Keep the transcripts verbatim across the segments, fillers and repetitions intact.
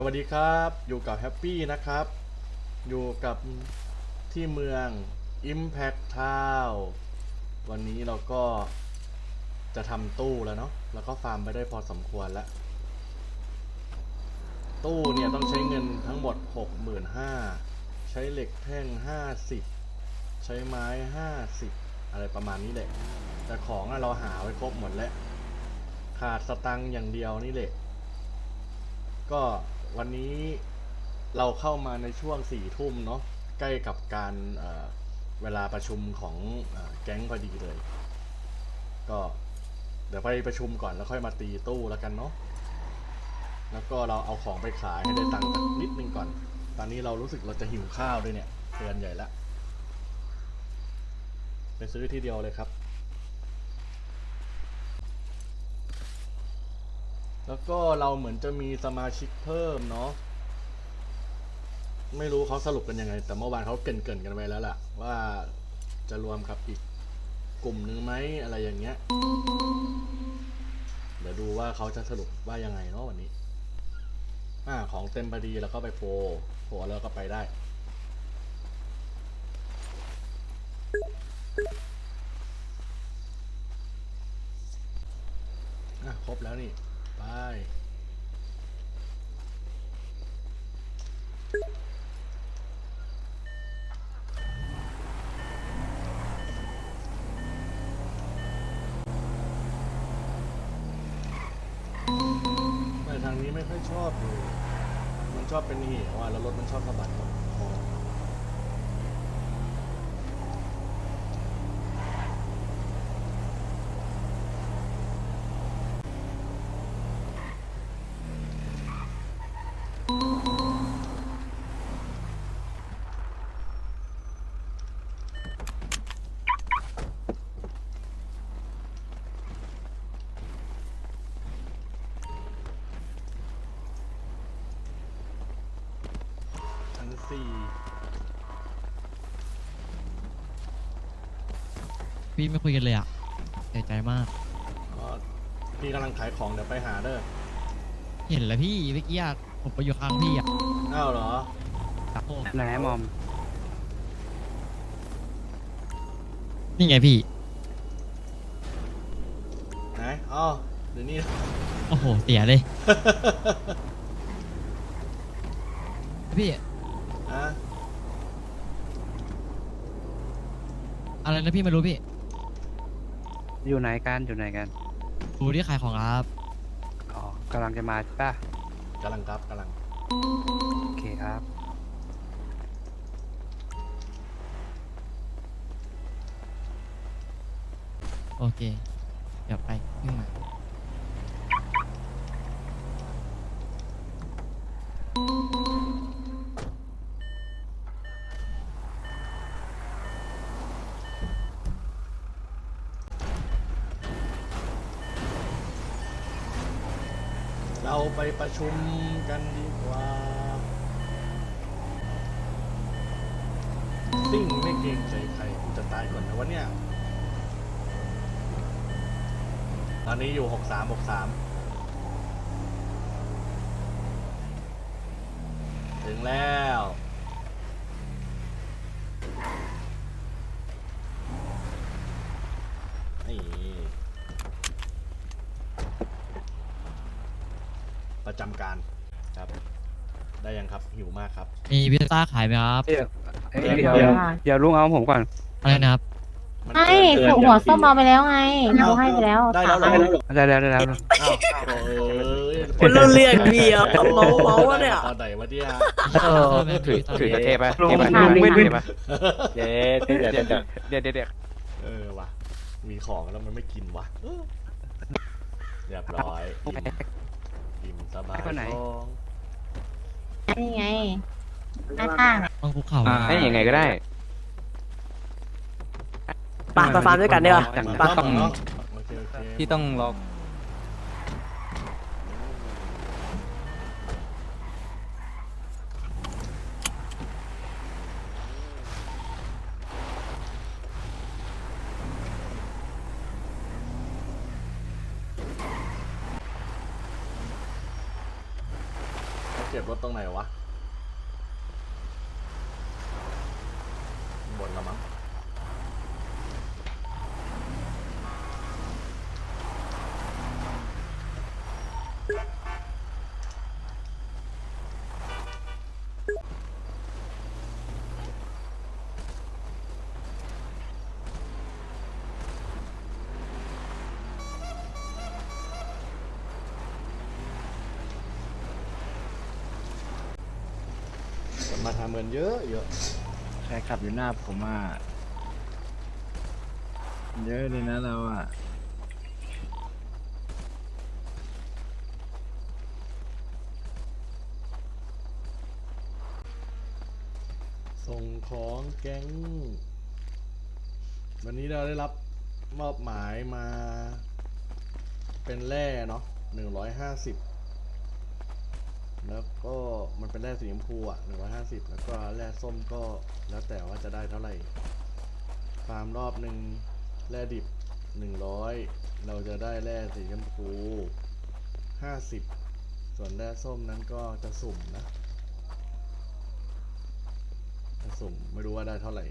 สวัสดีครับอยู่กับแฮปปี้นะครับอยู่กับที่เมือง Impact Town วันนี้เราก็จะทำตู้แล้วเนาะแล้วก็ฟาร์มไปได้พอสมควรแล้วตู้เนี่ยต้องใช้เงินทั้งหมด หกหมื่นห้าพัน ใช้เหล็กแท่งห้าสิบใช้ไม้ห้าสิบอะไรประมาณนี้แหละแต่ของเราหาไว้ครบหมดแล้วขาดสตังค์อย่างเดียวนี่แหละก็วันนี้เราเข้ามาในช่วงสี่ทุ่มเนาะใกล้กับการเเวลาประชุมของแก๊งพอดีเลยก็เดี๋ยวไปประชุมก่อนแล้วค่อยมาตีตู้แล้วกันเนาะแล้วก็เราเอาของไปขายให้ได้ตังค์นิดนึงก่อนตอนนี้เรารู้สึกเราจะหิวข้าวด้วยเนี่ยเตือนใหญ่ละไปซื้อทีเดียวเลยครับแล้วก็เราเหมือนจะมีสมาชิกเพิ่มเนาะไม่รู้เขาสรุปกันยังไงแต่เมื่อวานเขาเกินเกินกันไปแล้วล่ะว่าจะรวมกับอีกกลุ่มนึงไหมอะไรอย่างเงี้ยเดี๋ยวดูว่าเขาจะสรุปว่ายังไงเนาะวันนี้อ่าของเต็มพอดีแล้วก็ไปโพโพแล้วก็ไปได้อ่ะครบแล้วนี่ไปแต่ทางนี้ไม่ค่อยชอบเลยมันชอบเป็นเหวอ่ะแล้วรถมันชอบสะบัดคอชั้นสี่พี่ไม่คุยกันเลยอ่ะเสียใจมากก็พี่กำลังขายของเดี๋ยวไปหาเด้อเห็นแล้วพี่เมื่อกี้อะผมไปอยู่ข้างพี่อ่ะอ้าวเหรอครับผมไหนมอมนี่ไงพี่ไหนอ๋อเดี๋ยวนี้โอ้โห เสียเลย พี่อ่ะอะไรนะพี่ไม่รู้พี่อยู่ไหนกันอยู่ไหนกันดูที่ขายของครับอ๋อกำลังจะมาใช่ป่ะกำลังครับกำลังโอเคครับโอเค เดี๋ยวไปขึ้นมาเราไปประชุมกันดีกว่าซิ่งไม่เกรงใจใครกูจะตายก่อนนะวะเนี่ยตอนนี้อยู่หกสามหกสามถึงแล้วนี่ประจำการครับได้ยังครับหิวมากครับมีพิซซ่าขายไหมครับเดี๋ยวเอ้ยเดี๋ยวเดี๋ยวลุงเอาผมก่อนอะไรนะครับมันไม่เกินหัวส้มเอาไปแล้วไงเราให้ไปแล้วได้แล้วเหรอได้แล้วได้แล้วอ้าวโอ้ยคุณเราเรียกเบียร์เมาเมาวะเนี่ยตอนไหนวะเนี่ยเออถือถือเทปะลุงไม่ลุทานงไม่ไม่ทานไม่ปะเดี๋ยวเดี๋ยวเดี๋ยวเดี๋ยวเดี๋ยวเดี๋ยวเออว่ะมีของแล้วมันไม่กินวะเรียบร้อยอิ่มอิ่มสบายท้องนี่ไงข้างๆเนี่ยต้องคุกเข่าให้ยังไงก็ได้ไปไปฟาร์มด้วยกันดีกว่าจังไปต้องเนาะโอเคโอเคพี่ต้องรอเก็บรถตรงไหนวะบนละมั้งมาทำเงินเยอะเยอะใครขับอยู่หน้าผมอ่ะเยอะเลยนะเราอ่ะส่งของแก๊ง วันนี้เราได้รับมอบหมายมาเป็นแร่เนาะหนึ่งร้อยห้าสิบแล้วก็มันเป็นแร่สีชมพูอ่ะหนึ่งร้อยห้าสิบแล้วก็แร่ส้มก็แล้วแต่ว่าจะได้เท่าไหร่ฟาร์มรอบหนึ่งแร่ดิบหนึ่งร้อยเราจะได้แร่สีชมพูห้าสิบส่วนแร่ส้มนั้นก็จะสุ่มนะจะสุ่มไม่รู้ว่าได้เท่าไหร่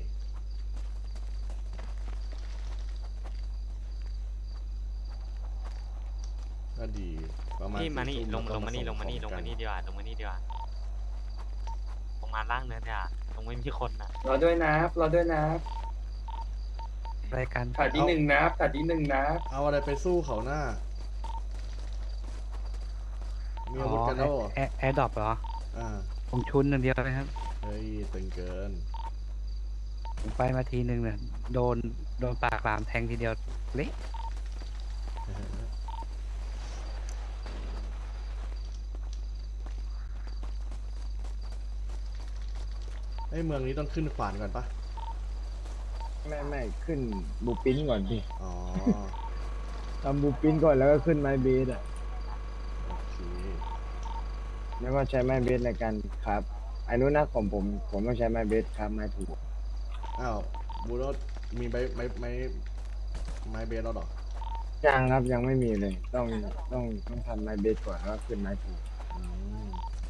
ก็ดีประมาณนี่มานี่สี่ลทุ่งแวลก็งมานี่ส่ลงมานี่ขลองมากันี่ดีกว่าลงมานี่ดีกว่าลงมาล่างเนินดีกว่าลงไม่มีคนน่ะรอด้วยนะรอด้วยนะรายการขาดที่หนึ่งนะขาดที่หนึ่งนะเอาอะไรไปสู้เขาหน้า มีอาวุธกันแล้วเหรอแอแอร์ดรอปเหรออ่าผมชุนอย่างเดียวเลยครับเฮ้ยตึงเกินผมไปมาทีนึงเนี่ยโดนโดนปากหลามแทงทีเดียวเละไอ้ยเมืองนี้ต้องขึ้นขวานก่อนปะไม่ไม่ขึ้นบูปิ้นก่อนพี่อ๋อทำบูปิ้นก่อนแล้วก็ขึ้นไม้เบสอ่ะโอเคแล้วก็ใช้ไม้เบสในการครับอันนู้นนะของผมผมต้องใช้ไม้เบสครับไม้ถูกอ้าวบูโรสมีไม้ไม้ไม้ไม้เบสแล้วเหรอยังครับยังไม่มีเลย ต้องต้องต้องทำไม้เบสก่อนแล้วก็ขึ้นไม้ถูกอืม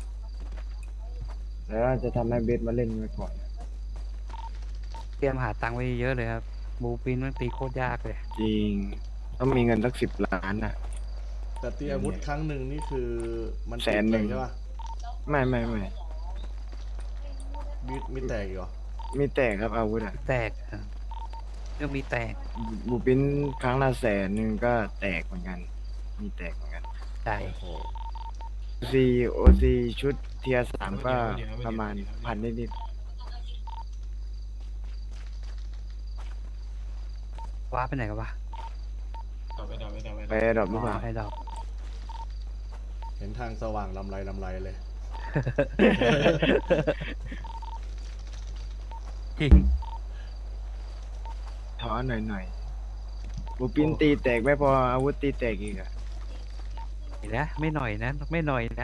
แล้วก็จะทำไม้เบสมาเล่นไว้ก่อนเตรียมหาตังค์ไว้เยอะเลยครับบูปินมันตีโคตรยากเลยจริง ต้องมีเงินสักสิบล้านอ่ะแต่ตีอาวุธครั้งหนึ่งนี่คือมันแสนหนึ่งติดเลยใช่ปะไม่ไม่ไม่มีมีแตกอีกเหรอมีแตกครับอาวุธอ่ะแตกอะเรื่องมีแตกบูปิ้นครั้งละแสนหนึ่งก็แตกเหมือนกัน มีแตกเหมือนกันใจโอ้โหซีโอซีชุดเทียสามก็ประมาณพันนิดว้าไปไหนกันวะๆไปดอกหรือเปล่าไอ้ดอกเห็นทางสว่างลำไรลำไรเลยจริงถอนหน่อยหน่อยๆบูปิ้นตีแตกไม่พออาวุธตีแตกอีกอะเห็นนะไม่หน่อยนะ ไม่หน่อยนะ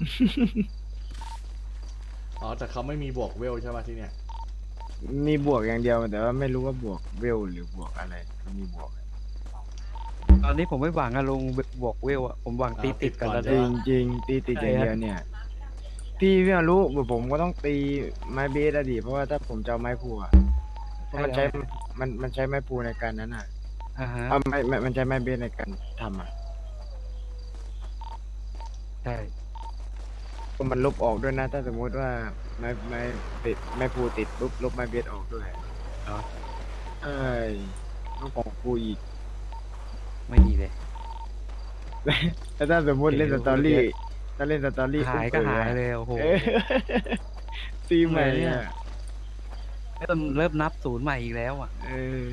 อ๋อแต่เขาไม่มีบวกเวลใช่ปะที่เนี่ยมีบวกอย่างเดียวแต่ว่าไม่รู้ว่าบวกเวลหรือบวกอะไรมีบวกตอนนี้ผมไม่หวังอะลงบวกเวลอะผมหวังตีติดกันแล้วจด้ริวยงจริงๆตีติดอย่างเดียวเนี่ย พี่พี่มารู้ผมก็ต้องตีไม้เบสอะดิเพราะว่าถ้าผมจะเอาไม้พูอะเพราะมันใช้มันมันใช้ไม้พูในการนั้นอ่ะอ่าฮะเอาไม่ไม่มันใช้ไม้เบสในการทำอ่ะใช่ก็มันลบออกด้วยนะ ถ้าสมมติว่าไม้ไม้ติดไม้พูติดปุ๊บลบไม้เบสออกด้วยเหรอเอ้ยต้องของกูอีกไม่ดีเลยแล้วถ้าสมมติเล่นสตอรี่ถ้าเล่นสตอรี่หายก็หายเลยโอ้โหเออตีใหม่ทำไมเนี่ยอ่ะเริ่มเริ่มนับศูนย์ใหม่อีกแล้วอ่ะเออ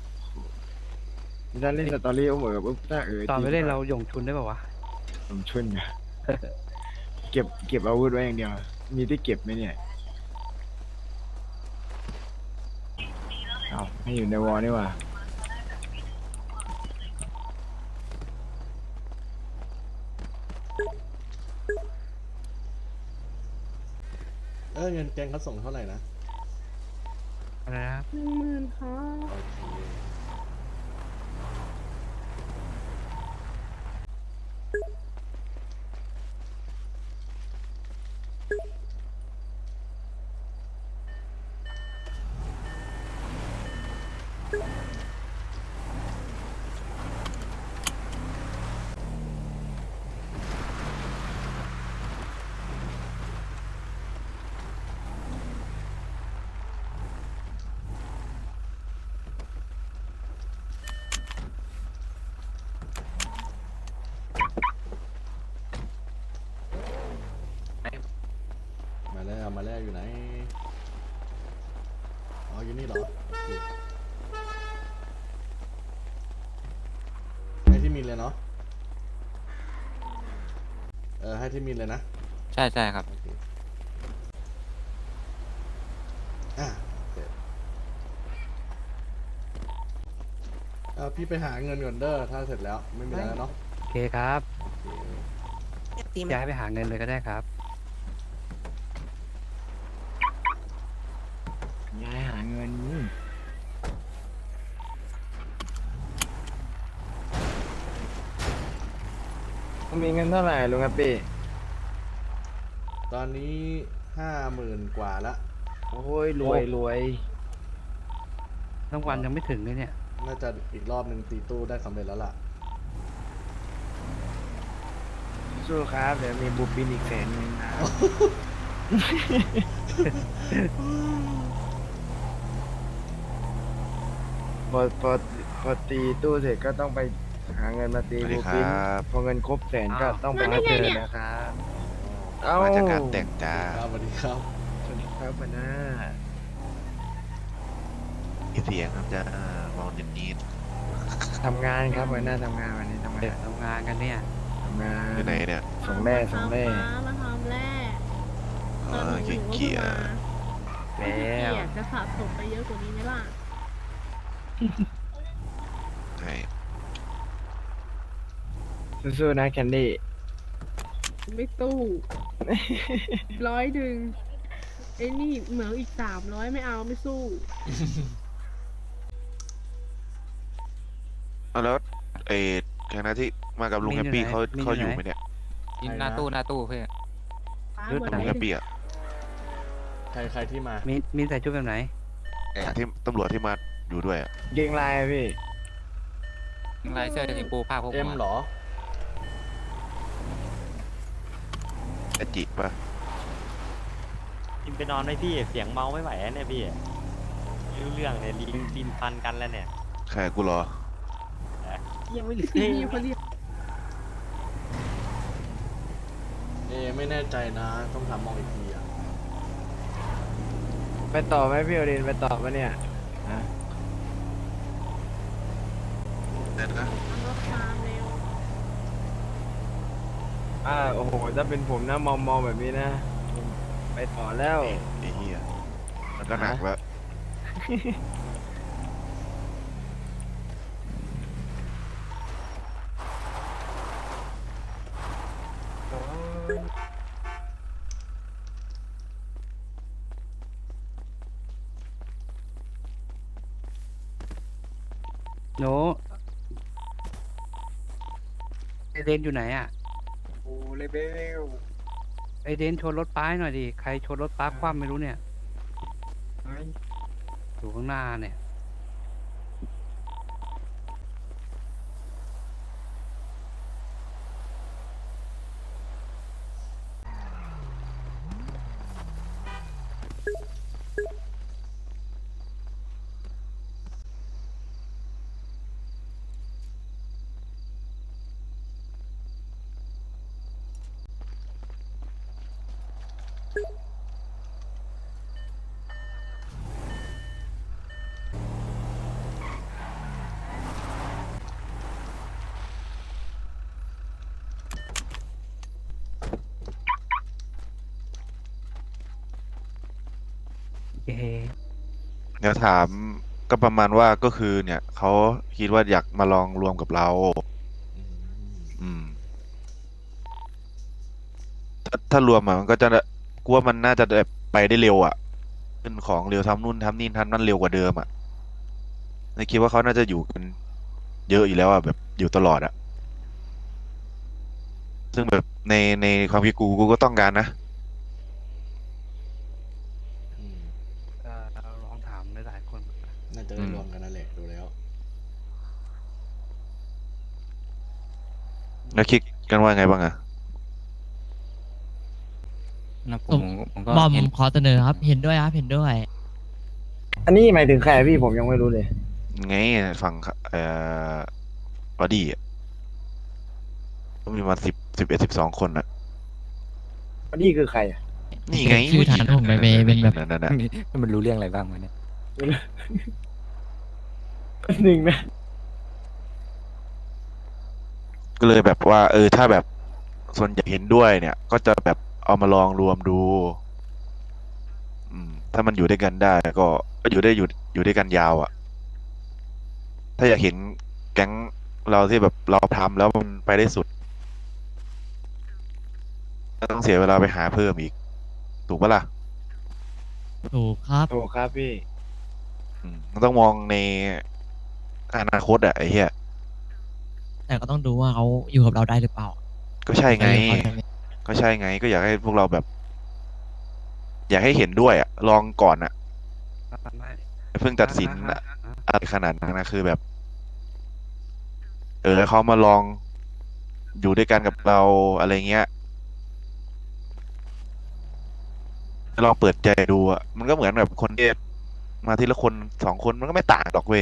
ถ้าเล่นสตอรี่ก็เหมือนกับปุ๊บถ้าเออตอนไปเล่นเราหย่งชุนได้ป่าวะผมชุนนะเก็บเก็บอาวุธไว้อย่างเดียว มีที่เก็บไหมเนี่ยเอาไม่อยู่ในวอลนี่หว่าเออเงินแกงเขาส่งเท่าไหร่นะอะไรนะครับหนึ่งหมื่นค่ะโอเคแล้วมาแล้วอยู่ไหนอ๋ออยู่นี่เหรอโอเคให้ที่มินเลยเนาะเออให้ที่มินเลยนะใช่ใช่ครับโอเคอ่ะเสร็จเออพี่ไปหาเงินก่อนเด้อถ้าเสร็จแล้วไม่มีอะไรแล้วเนาะโอเคครับโอเคย้ายไปหาเงินเลยก็ได้ครับย้ายหาเงินมีเงินเท่าไหร่ลุงแฮปปี้ตอนนี้ห้าหมื่นกว่าละโอ้ยรวยรวยทั้งวันยังไม่ถึงเลยเนี่ยน่าจะอีกรอบหนึ่งตีตู้ได้สำเร็จแล้วล่ะสู้ครับเดี๋ยวมีบูปินอีกแสนหนึงนะ พอพอพอตีตู้เสร็จก็ต้องไปหาเงินมาตีสวัสดีบูคปินรับพอเงินครบแสนก็อ้าวต้องไปรับเงินนะครับเอ้ามาจากการแต่งจ้าครับสวัสดีครับสวัสดีครับหัวหน้ามีเสียงครับจ้ามองนิดนิดทำงานครับหัวหน้าทำงานวันนี้ทำเด็กงานทำงานกันเนี่ยทำงานอยู่ไหนเนี่ยส่งแร่ส่งแร่มาทำแร่เออเกี่ยเกี่ยแล้วจะสะสมไปเยอะกว่านี้ไหมล่ะใช่สู้ๆนะแคนดี้ไม่ตู้ ร้อยหนึ่งไอ้นี่เหมืองอีกสามร้อยไม่เอาไม่สู้เอาแล้วไอ้คณะที่มากับลุงมีแฮอยู่ปปี้ไหนเขามีอยู่เขาอยู่ไหนไหมเนี่ยยินหน้าตู้หน้าตู้เพื่อนเลือดลุงแฮปปี้อ่ะใครใครที่มามีมีใส่ชุดแบบไหนที่ตำรวจที่มาอยู่ด้วยอ่ะเกงลายอะพี่ลายเสื้อสีปูผ้าพวกเอ็มเหรออจิปะกินไปนอนไหมพี่ เสียงเมาไม่ไหวแล้วเนี่ยพี่ไม่รู้เรื่องเนี่ยลิ้นลิ้นพันกันแล้วเนี่ยใครกูเหรอยังไม่รู้พี่เขาเรียกเอไม่แน่ใจนะ ต้องถามมองอีกทีอ่ะไปต่อไหมพี่โอเดนไปต่อปะเนี่ยฮะนั่นนะรถตามเร็วอ่าโอ้โหถ้าเป็นผมนะมองมองแบบนี้นะผมไปต่อแล้วไอ้เหี้ยมันก็หนักแล้วโน้ไอเดนอยู่ไหนอ่ะโอ้เลเบลไอเดนชนรถป้ายหน่อยดิ ใครชนรถป้าคว่ำไม่รู้เนี่ย อยู่ข้างหน้าเนี่ย เอ๊ะเดี๋ยวถามก็ประมาณว่าก็คือเนี่ยเขาคิดว่าอยากมาลองรวมกับเราอืมอืม ถ้าถ้ารวมอะมันก็จะกูว่ามันน่าจะแบบไปได้เร็วอ่ะขึ้นของเร็วทำนู่นทำนี่ทำนั่นเร็วกว่าเดิมอ่ะในคิดว่าเขาน่าจะอยู่กันเยอะอยู่แล้วอ่ะแบบอยู่ตลอดอ่ะ ซึ่งแบบในในความคิดกูกูก็ต้องการนะอืมเอ่อลองถามหลายๆคนน่าจะได้รวมกันนั่นแหละดูแล้วแล้วคิดกันว่าไงบ้างอ่ะนะผมผมก็บอมเห็นขอเสนอครับ เห็นด้วยครับ เห็นด้วยอันนี้หมายถึงใครพี่ผมยังไม่รู้เลยไงฝั่งเอ่อบอดี้อ่ะก็มีมาสิบสิบเอ็ดสิบสองคนอ่ะอันนี้คือใครอะนี่ไงชื่อฐานผมไปเป็นแบบนั่นน่ะมันรู้เรื่องอะไรบ้างวะเนี่ยหนึ่งนะก็เลยแบบว่า เออถ้าแบบส่วนใหญ่เห็นด้วยเนี่ย ก็จะแบบเอามาลองรวมดู อืม ถ้ามันอยู่ด้วยกันได้ก็ก็อยู่ได้อยู่อยู่ด้วยกันยาวอะ่ะ ถ้าอยากเห็นแก๊งเราที่แบบเราทำแล้วมันไปได้สุดก็ต้องเสียเวลาไปหาเพิ่มอีก ถูกปะล่ะถูกครับโอ้ครับพี่อืมมันต้องมองในอนาคตอะไอ้เหี้ยแต่ก็ต้องดูว่าเขาอยู่กับเราได้หรือเปล่าก็ใช่ไง ก็ใช่ไง ก็อยากให้พวกเราแบบ อยากให้เห็นด้วยอะลองก่อนอะเพิ่งตัดสินอะอะไรขนาดนั้นนะคือแบบ เออเขามาลองอยู่ด้วยกันกับเราอะไรเงี้ยลองเปิดใจดูอะมันก็เหมือนแบบคนที่มาทีละคนสองคนมันก็ไม่ต่างหรอกเว้ย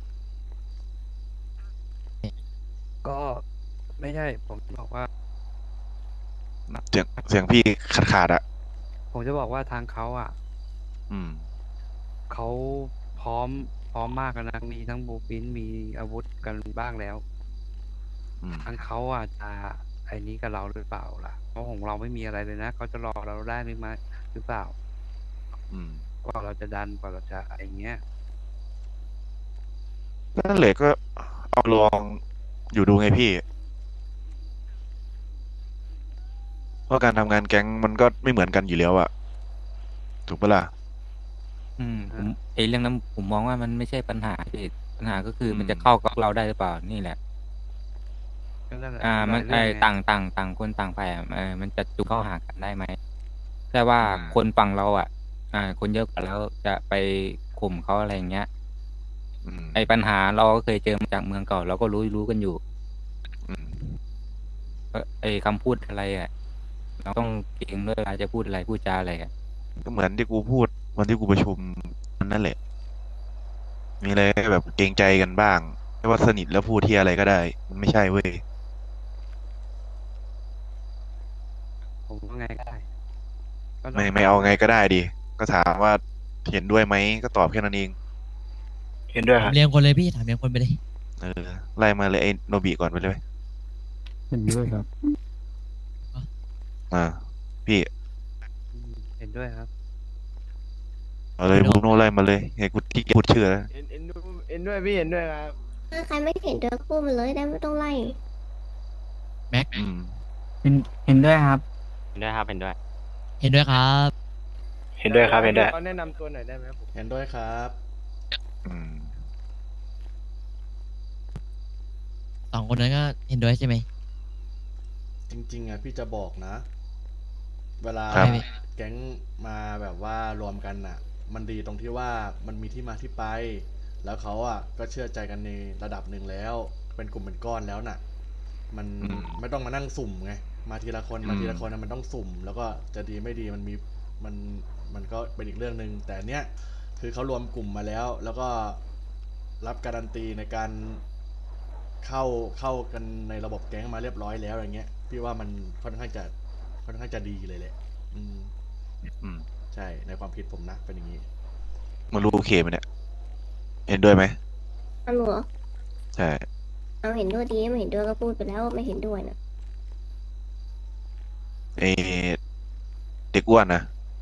ก็ไม่ใช่ผมบอกว่าเสียงเสียงพี่ขาดขาดๆอะผมจะบอกว่าทางเขาอ่ะอืมเขาพร้อมพร้อมมากแล้วนะมีทั้งบูปินมีอาวุธกันบ้างแล้วอืมทางเขาอ่ะจะไอ้นี้กับเราหรือเปล่าล่ะเพราะของเราไม่มีอะไรเลยนะเขาจะรอเราได้หรือไม่หรือเปล่าอืมกว่าเราจะดันกว่าเราจะอะไรเงี้ยนั่นแหละก็เอาลองอยู่ดูไงพี่ เพราะการทำงานแก๊งมันก็ไม่เหมือนกันอยู่แล้วอะถูกปะล่ะอืมผมไอ้เรื่องนั้นผมมองว่ามันไม่ใช่ปัญหาพี่ปัญหาก็คืออมมันจะเข้ากับเราได้หรือเปล่านี่แหละก็นั่นแหละอ่า มันหลายไอ้เรื่องไงต่างต่างต่างคนต่างไปอ่ะเออมันจะจูงเข้าหากันได้ไหมแต่ว่าคนฝั่งเราอ่ะ อ่า คนเยอะกว่าแล้วจะไปข่มเขาอะไรอย่างเงี้ยอืมไอ้ปัญหาเราก็เคยเจอมาจากเมืองเก่าเราก็รู้รู้กันอยู่อืมก็ไอ้คำพูดอะไรอ่ะเราต้องเก่งด้วยเวลาจะพูดอะไรพูดจาอะไรอ่ะก็เหมือนที่กูพูดวันที่กูประชุมนั่นแหละ มีอะไรก็แบบเกรงใจกันบ้างไม่ว่าสนิทแล้วพูดที่อะไรก็ได้ มันไม่ใช่เว้ยผมว่าไงก็ได้ก็ต้องไม่ไม่เอาไงก็ได้ดิ ก็ถามว่าเห็นด้วยไหมก็ตอบแค่นั้นเองเห็นด้วยครับเรียงคนเลยพี่ถามเรียงคนไปเลยเออ ไล่มาเลยไอ้โนบิก่อนไปเลยเห็นด้วยครับอ่า พี่เห็นด้วยครับเอาเลยไม่บต้องรูโน่ไล่มาเลยไงกูที่พูดชื่อแล้วเห็นเห็นด้วยเห็นด้วยพี่เห็นด้วยครับถ้าใครไม่เห็นด้วยก็พูดมาเลยได้ไม่ต้องไล่แม็กอืมเห็นเห็นด้วยครับเห็นด้วยครับเห็นด้วยเห็นด้วยครับเห็นด้วยครับเห็นด้วยเขาแนะนำตัวหน่อยได้ไหมผมเห็นด้วยครับอืมสองคนนั้นก็เห็นด้วยใช่ไหมจริงๆอ่ะพี่จะบอกนะ เวลาครับแก๊งมาแบบว่ารวมกันน่ะ มันดีตรงที่ว่ามันมีที่มาที่ไป แล้วเขาอ่ะก็เชื่อใจกันในระดับหนึ่งแล้ว เป็นกลุ่มเป็นก้อนแล้วน่ะ มันอืมไม่ต้องมานั่งสุ่มไง มาทีละคนอืมมาทีละคนน่ะมันต้องสุ่ม แล้วก็จะดีไม่ดีมันมีมันมันก็เป็นอีกเรื่องหนึ่งแต่เนี้ยคือเขารวมกลุ่มมาแล้ว แล้วก็รับการันตีในการเข้าเข้ากันในระบบแก๊งมาเรียบร้อยแล้วอย่างเงี้ยพี่ว่ามันค่อนข้างจะค่อนข้างจะดีเลยแหละ อืมอืมใช่ในความคิดผมนะเป็นอย่างนี้มันรู้โอเคไหมเนี่ย เห็นด้วยไหมอันหนูเหรอใช่เอาเห็นด้วยดีไม่เห็นด้วยก็พูดไปแล้วไม่เห็นด้วยนะไอเด็กอ้วนนะ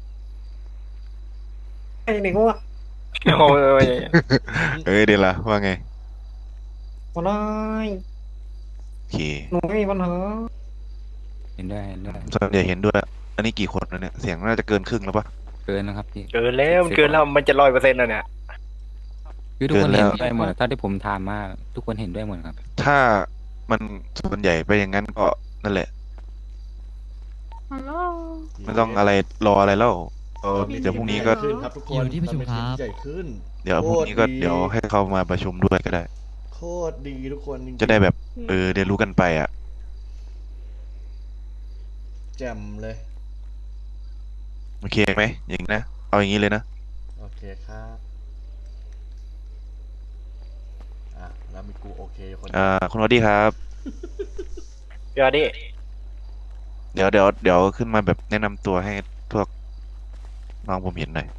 ไอ้หนึ่งว่าโอ้ยเอ้ยเดี๋ยวละว่าไงก็ได้โอเคหนูไม่มีปัญหาเห็นด้วยเห็นด้วยส่วนใหญ่เห็นด้วย อันนี้กี่คนแล้วเนี่ย เสียงน่าจะเกินครึ่งแล้วปะเกินนะครับพี่เกินแล้วมันเกินแล้วมันจะร้อยเปอร์เซ็นต์แล้วเนี่ยคือทุกคนเกินแล้เห็วนด้วยหมดเท่าที่ผมถามมาทุกคนเห็นด้วยหมดครับถ้ามันส่วนใหญ่ไปอย่างนั้นก็นั่นแหละฮัลโหลไม่ต้องอะไรรออะไรแล้วเออเดี๋ยวพรุ่งนี้ก็ขึ้นครับทุกคนอยู่ที่ประชุมครับทำให้ทีใหญ่ขึ้นเดี๋ยวพรุ่งนี้ก็โคตรเดี๋ยวให้เขามาประชุมด้วยก็ได้โคตรดีทุกคนจริงๆจะได้แบบ เออเรียนรู้กันไปอ่ะแจ่มเลยโอเคไหมอย่างนี้นะ เอาอย่างนี้เลยนะโอเคครับอ่ะแล้วมีกูโอเคคนอ่า คุณวอดดี้ครับเดี๋ยวดิเดี๋ยวเดี๋ยวเดี๋ยวขึ้นมาแบบแนะนำตัวให้พวกน้องผมเห็นหน่อย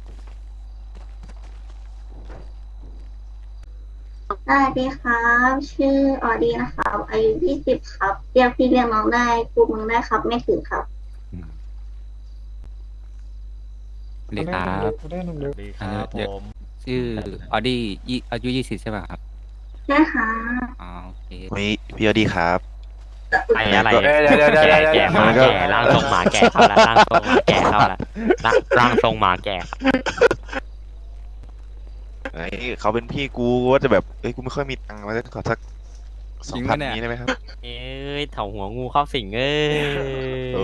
สวัสดีครับ ชื่อออดี้นะครับ อายุยี่สิบครับ เรียกพี่เรียกน้องได้กูมึงได้ครับ ไม่ถือครับสวัสดีครับได้หนึ่งสเดียววัสดีครับอันนี้เดี๋ยวผมชื่อออดี้ยี่อายุยี่สิบใช่ป่ะครับใช่ค่ะอ๋อโอเคพี่พี่อดีครับไอ้อะไรเดี๋ยวเดี๋ยวเดี๋ยวแก่เดี๋ยวแก่หมาแล้วก็แก่ร่างทรงหมาแก่เข้าละร่างทรงหมาแก่เข้าละร่างร่างทรงหมาแก่ครับไอ้เขาเป็นพี่กูว่าจะแบบเอ้ยกูไม่ค่อยมีตังค์มาขอสักสองพันนี้ได้ไหมครับเอ้ยเถาหัวงูเข้าสิงเอ้ยโอ้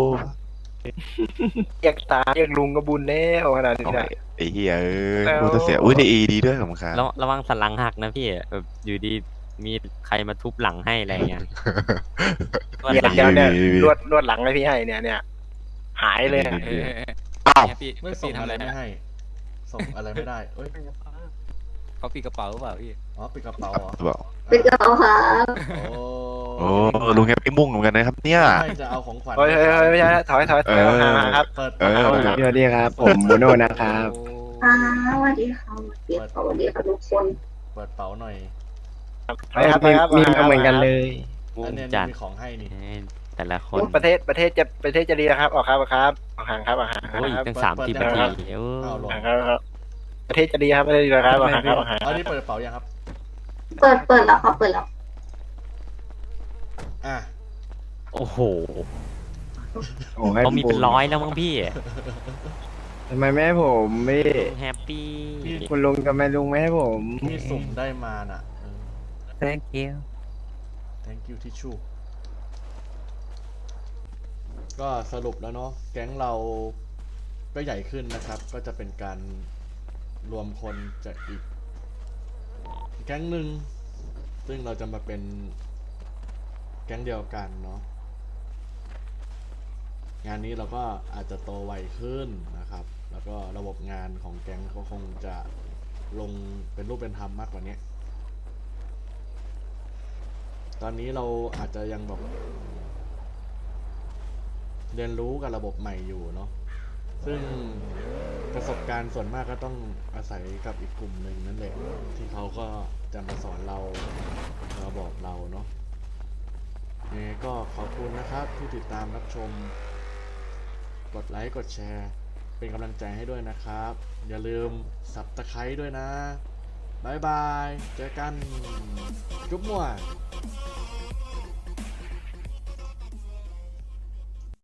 เรียกตาเรียกลุงก็บุญแล้วขนาดนี้เอานะไอ้เหี้ยเอ้ยแล้วกูจะเสียอุ้ยได้เอดีด้วยผมครับระระวังสันหลังหักนะพี่แบบอยู่ดีมีใครมาทุบหลังให้อะไรเงี้ยเดี๋ยวเดี๋ยวเนี่ยนวดนวดหลังให้พี่ให้เนี่ยเนี่ยหายเลยอะเอออ้าวเนี่ยพี่ไม่ส่พี่งทำอะอะไร ไรไม่นะให้ ส่งอะไรไม่ได้เอ้ยเขาปีกระเป๋าหรือเปล่าพี่อ๋อปิดกระเป๋าเหรอบอกเป็นกระเป๋าครับโอ้โอ้ลุงแฮปปี้มุ่งเหมือนกันนะครับเนี่ยไม่จะเอาของขวัญเฮ้ยเฮ้ยเฮ้ยไม่ใช่นะถอยถอยถอยเออห่างๆครับเปิดเออเปิดสวัสดีครับ ผมโมโนนะครับอ่าสวัสดีครับสวัสดีครับสวัสดีครับทุกคนเปิดเป๋าหน่อยถอยครับถอยครับมีมาเหมือนกันเลยอันเนี้ยจัดมีของให้นี่เอ้ยแต่ละคนประเทศประเทศจะประเทศจะดีนะครับ ออกครับออกครับออกห่างครับออกห่างคโอ้ยรับตั้งสามสิบนาทีเอ้อ้าวย ลงห่างครับครับประเทศจะดีครับประเทศจะดีนะครับออกห่างครับออกห่างอันนี้เปิดกระเป๋ายังครับเปิดเปิดแล้วครับ เปิดแล้วอ่ะโอ้โหโอ้ให้เขามีเป็นร้อยแล้วมั้งพี่ทำไมไม่ให้ผมไม่แฮปปี้คุณลุงกับแม่ลุงไม่ให้ผมที่สุ่มได้มาน่ะเออ thank you thank you ทิชชู่ก็สรุปแล้วเนาะแก๊งเราก็ใหญ่ขึ้นนะครับ ก็จะเป็นการรวมคนจากอีกแก๊งหนึ่งซึ่งเราจะมาเป็นแก๊งเดียวกันเนาะงานนี้เราก็อาจจะโตไวขึ้นนะครับ แล้วก็ระบบงานของแก๊งก็คงจะลงเป็นรูปเป็นธรรมมากกว่านี้ตอนนี้เราอาจจะยังแบบเรียนรู้กับระบบใหม่อยู่เนาะซึ่งประสบการณ์ส่วนมากก็ต้องอาศัยกับอีกกลุ่มหนึ่งนั่นแหละที่เขาก็จะมาสอนเรามาบอกเราเนาะยังไงก็ขอบคุณนะครับที่ติดตามรับชมกดไลค์กดแชร์เป็นกำลังใจให้ด้วยนะครับ อย่าลืมสับตะไคร้ด้วยนะบายบายเจอกันจุ๊บมั่ว